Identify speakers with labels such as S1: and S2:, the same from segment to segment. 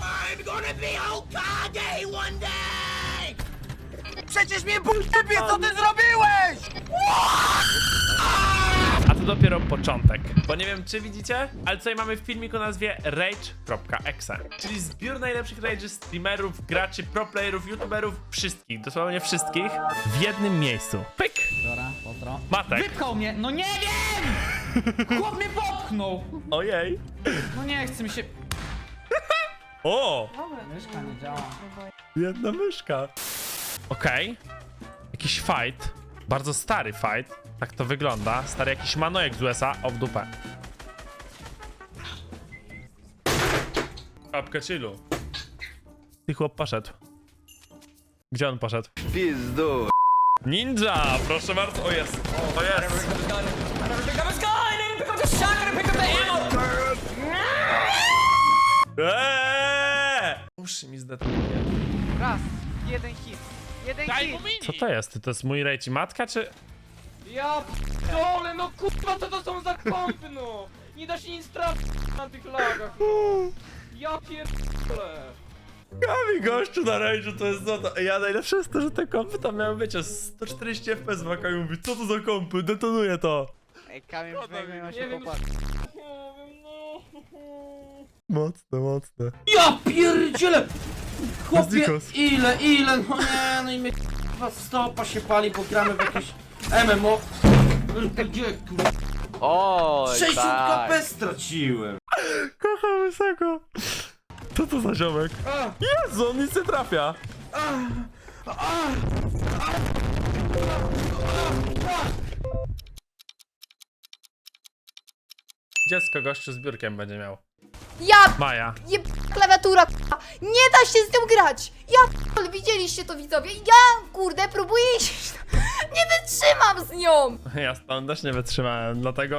S1: I'm gonna be Hokage one day!
S2: Przecież mnie bullshitnie, co ty zrobiłeś?
S3: A to dopiero początek. Bo nie wiem, czy widzicie, ale tutaj mamy filmik o nazwie Rage.exe, czyli zbiór najlepszych Rage streamerów, graczy, pro playerów, youtuberów, wszystkich, dosłownie wszystkich w jednym miejscu. Pyk!
S2: Dobra, pozdro.
S3: Matek.
S2: Wypchał mnie, no nie wiem! Chłop mnie popchnął!
S3: Ojej.
S2: No nie chce mi się...
S3: O!
S2: Myszka nie działa.
S3: Jedna myszka. Okej. Jakiś fight. Bardzo stary fight. Tak to wygląda. Stary jakiś manojek z USA. O, w dupę. Apka chillu. Ty chłop poszedł. Gdzie on poszedł?
S4: Pizdu.
S3: Ninja! Proszę bardzo. O jest. O jest. Uszy mi zdetonuje.
S5: Raz, jeden hit. Jeden hit.
S3: Co to jest? To jest mój rejci matka, czy...
S5: Ja p***ole, no kurwa, co to są za kompy, no! Nie da się nic trafić na tych lagach, no! Ja pierdolę!
S3: Kami gościu na rage'u to jest złoto. Ja najlepsze jest to, że te kompy tam miały, wiecie, 140 FPS w AK i mówi, co to za kompy, detonuję to.
S5: Ej, Kamil, przynajmniej ma się Nie wiem, popatrzeć.
S3: no. Mocne, mocne.
S6: Ja pierdzielę! Chłopie,
S3: Znikos.
S6: ile, no nie, no i mnie k***a stopa się pali, bo gramy w jakieś MMO. Gdzie, kurwa?
S4: Oj,
S6: 60
S4: tak.
S6: KP straciłem.
S3: Kocham wysoko. Co to za ziomek? Jezu, on nic nie trafia. Dziecko gościu z biurkiem będzie miał.
S7: Ja
S3: Maja.
S7: klawiatura, k***a. Nie da się z nią grać! Ja p***, widzieliście to widzowie? Ja, kurde, próbuję iść. Nie wytrzymam z nią!
S3: Ja stąd też nie wytrzymałem, dlatego...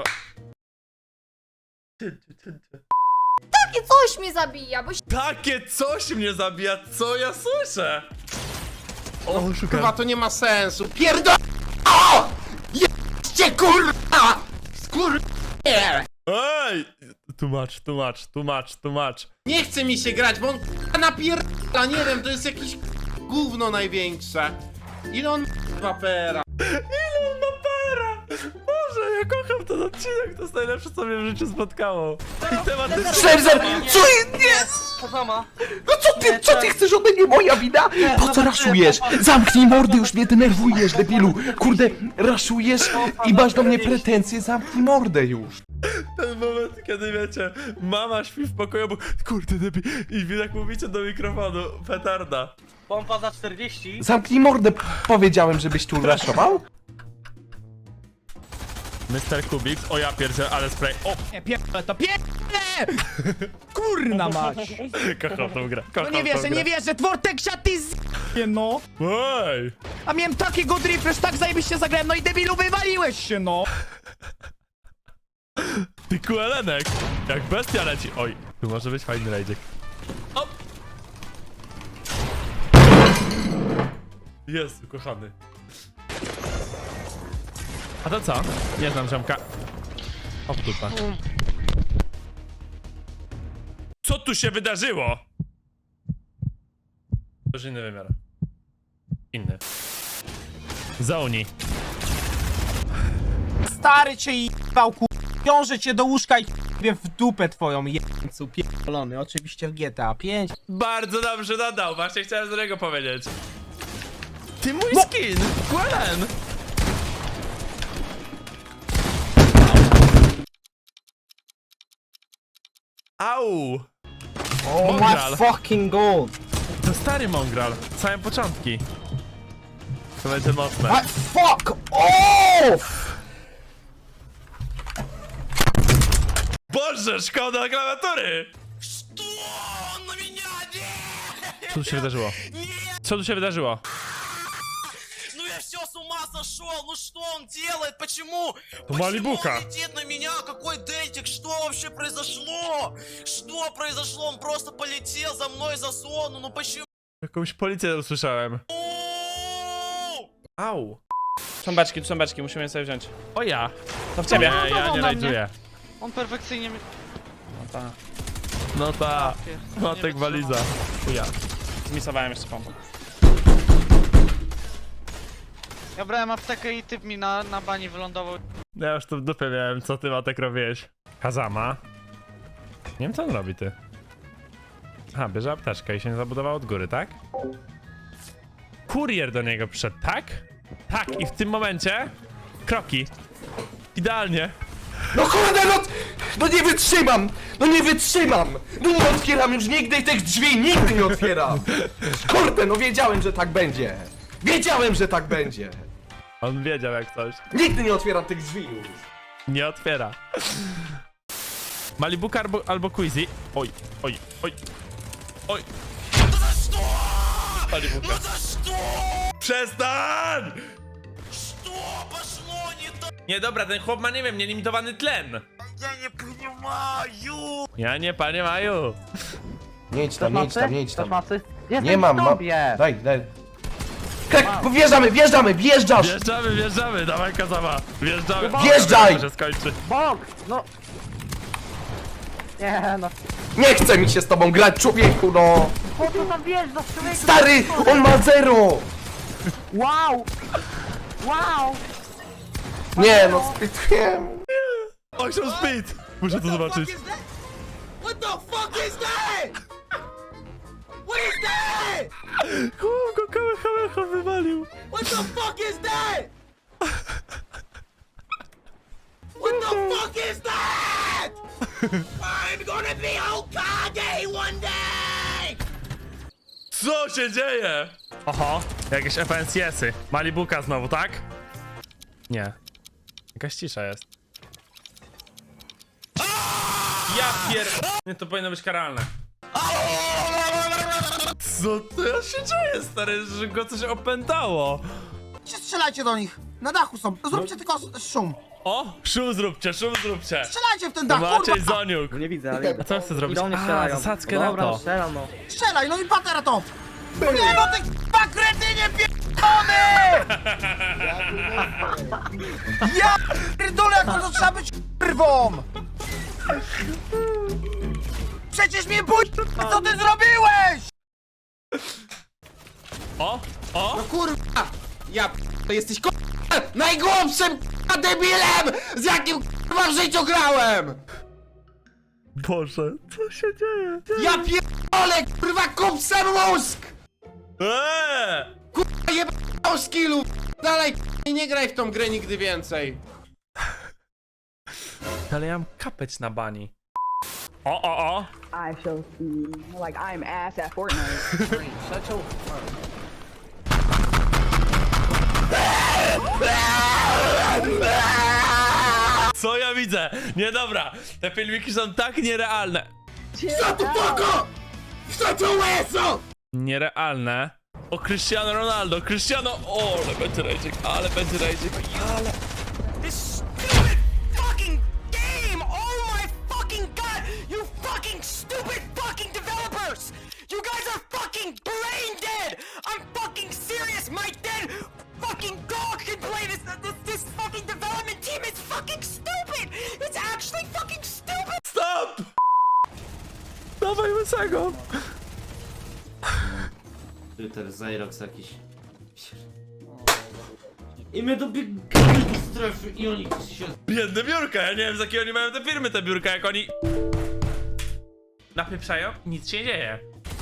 S7: Takie coś mnie zabija, bo
S3: Takie coś mnie zabija, co ja słyszę? O, szukam.
S6: Kurwa, to nie ma sensu. Pierdol... O! Jedźcie, kurwa! Skurwie!
S3: Ej! Tłumacz.
S6: Nie chce mi się grać, bo on k***a napierdala, nie wiem, to jest jakieś gówno największe. Ile on wapera?
S3: Ile on ma pera? Boże, ja kocham ten odcinek, to jest najlepsze, co mnie w życiu spotkało. I temat jest...
S2: Szerzer, co jest? Nie!
S5: Pozama.
S2: No co ty chcesz ode mnie? Moja wina? Po co raszujesz? Zamknij mordy, już mnie denerwujesz, debilu. Kurde, raszujesz i masz do mnie pretensje, zamknij mordę już.
S3: Ten moment, kiedy wiecie, mama śpi w pokoju, bo kurde debi, i wy tak mówicie do mikrofonu, petarda.
S5: Pompa za 40.
S2: Zamknij mordę, powiedziałem, żebyś tu raszował?
S3: Mr. Kubik, o ja pierdzielę, ale spray, o!
S2: Nie, pierdolę to, pierdolę! Kurna mać!
S3: Kocham tą grę,
S2: No
S3: kocham
S2: nie
S3: tą
S2: wierzę,
S3: grę.
S2: nie wierzę, Twortek ty z... no!
S3: Ej!
S2: A miałem takiego driftu, tak zajebiście zagrałem, no i debilu wywaliłeś się, no!
S3: Ty kuelenek, jak bestia leci, oj, tu może być fajny rajdzik. O! Jezu, kochany. A to co? Nie znam ziomka. O, dupa. Co tu się wydarzyło? To już inny wymiar. Inny. Zauni.
S8: Stary cię jebał, wiąże cię do łóżka i w dupę twoją jeńcu pierdolony, oczywiście w GTA 5.
S3: Bardzo dobrze dodał, właśnie chciałem z niego powiedzieć. Ty mój skin! Gwelen! Au!
S8: Oh
S3: Mongral.
S8: my fucking god!
S3: To stary Mongral, całe początki. To będzie mocne.
S8: What? Fuck off!
S3: Boże, szkoda klawiatury! Co tu się wydarzyło? Co tu się wydarzyło?
S1: Ну я все с ума сошел, ну что он делает, почему?
S3: То Малибука.
S1: Почему он летит на меня, какой дельтик, что вообще произошло? Что произошло, он просто полетел за мной за зону, ну почему?
S3: Jakąś policję usłyszałem. Au!
S5: Tu są beczki, musimy je sobie wziąć.
S3: O ja!
S5: To w ciebie.
S3: Nie, ja nie rajduję.
S5: On perfekcyjnie mi... No ta.
S3: No ta. Matek waliza. Ja. Zmisowałem jeszcze pompę.
S9: Ja brałem aptekę i typ mi na bani wylądował.
S3: Ja już tu w dupie miałem, co ty Matek robiłeś. Kazama. Nie wiem co on robi, ty. Aha, bierze apteczkę i się nie zabudował od góry, tak? Kurier do niego przyszedł, tak? Tak, i w tym momencie... Kroki. Idealnie.
S2: No kurde, no nie wytrzymam! No nie wytrzymam! No nie otwieram już nigdy tych drzwi, nigdy nie otwieram! Kurde, no wiedziałem, że tak będzie! Wiedziałem, że tak będzie!
S3: On wiedział jak coś.
S2: Nigdy nie otwieram tych drzwi już!
S3: Nie otwiera. Malibuka albo Quizy. Oj, oj, oj. Oj.
S1: No za что?
S3: Malibuka.
S1: Ну за что?
S3: Przestań!
S1: Что пошло не так?
S3: Nie, dobra, ten chłop ma, nie wiem, nielimitowany tlen.
S1: Я не понимаю.
S3: Ja nie, panie Maju.
S2: Nie idź tam, nie idź tam, nie idź tam.
S8: Jestem
S2: Nie mam,
S8: w tobie.
S2: Daj. Wjeżdżamy, wjeżdżasz!
S3: Wjeżdżamy, dawaj Kazama. Wjeżdżamy.
S2: Wjeżdżaj!
S3: To się skończy.
S8: Bok, no. Nie no.
S2: Nie chce mi się z tobą grać, człowieku, no!
S8: Po co tam wjeżdżasz, człowieku?
S2: Stary, on ma 0!
S8: Wow! Wow!
S2: Nie, no spytuję.
S3: Osiął speed. Muszę to zobaczyć.
S1: What the fuck is that? What is that?
S3: Chłop go kamehameha wywalił.
S1: What the fuck is that? What the fuck is that? I'm gonna be Hokage one day!
S3: Co się dzieje? Oho, jakieś FNCS-y. Malibuka znowu, tak? Nie. Jakaś cisza jest. Ja pier... Nie, to powinno być karalne. Co to się dzieje, stary? Że go coś opętało.
S10: Strzelajcie do nich! Na dachu są! Zróbcie tylko szum!
S3: O, szum zróbcie, szum zróbcie.
S10: Strzelajcie w ten dach,
S3: Maciej
S10: kurwa!
S3: Zoniuk.
S8: Nie widzę, ale...
S3: A co chcę zrobić?
S8: Idą, nie
S3: A,
S8: strzelają.
S3: zasadzkę na
S8: Dobra,
S3: to.
S8: strzelam, no.
S10: Strzelaj, no i patera to! Nie no ty k***a kretynie pierdolony! Ja pierdolę, jak to trzeba być k***wą! Przecież mnie bój, co ty zrobiłeś!
S3: O, o.
S6: No kurwa! Ja to jesteś kurwa najgłupszym kurwa debilem, z jakim kurwa w życiu grałem!
S3: Boże, co się dzieje?
S6: Ja pierdolę kurwa kupcem mózg! Kurwa jebał skillu! Dalej kurwa, nie graj w tą grę nigdy więcej!
S3: Ale ja mam kapeć na bani. O.
S11: I shall see. Like I'm ass at Fortnite.
S3: Co ja widzę? Nie, dobra. Te filmiki są tak nierealne. Nierealne. O, Cristiano Ronaldo, Cristiano... O, ale będzie rajczyk, ale będzie rajczyk. Ale...
S1: This stupid fucking game! Oh my fucking god! You fucking stupid fucking developers! You guys are fucking brain dead! I'm fucking serious! My dead fucking dog can play this! This fucking development team is fucking stupid! It's actually fucking stupid!
S3: Stop! Dawaj łysego.
S12: Twitter, Zyrox jakiś. I my dobiegamy do strefy i oni się...
S3: Biedne biurka, ja nie wiem z jakiej oni mają te firmy, te biurka, jak oni... Napieprzają, nic się nie dzieje.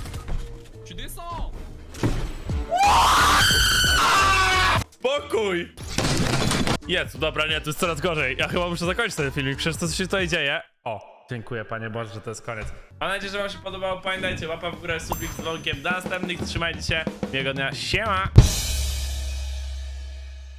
S3: Spokój! Jezu, dobra, nie, to jest coraz gorzej. Ja chyba muszę zakończyć ten filmik, przecież to co się tutaj dzieje. O, dziękuję Panie Boże, że to jest koniec. Mam nadzieję, że Wam się podobało. Pamiętajcie, łapa w górę, subik z dzwonkiem. Do następnych, trzymajcie się. Miłego dnia, siema!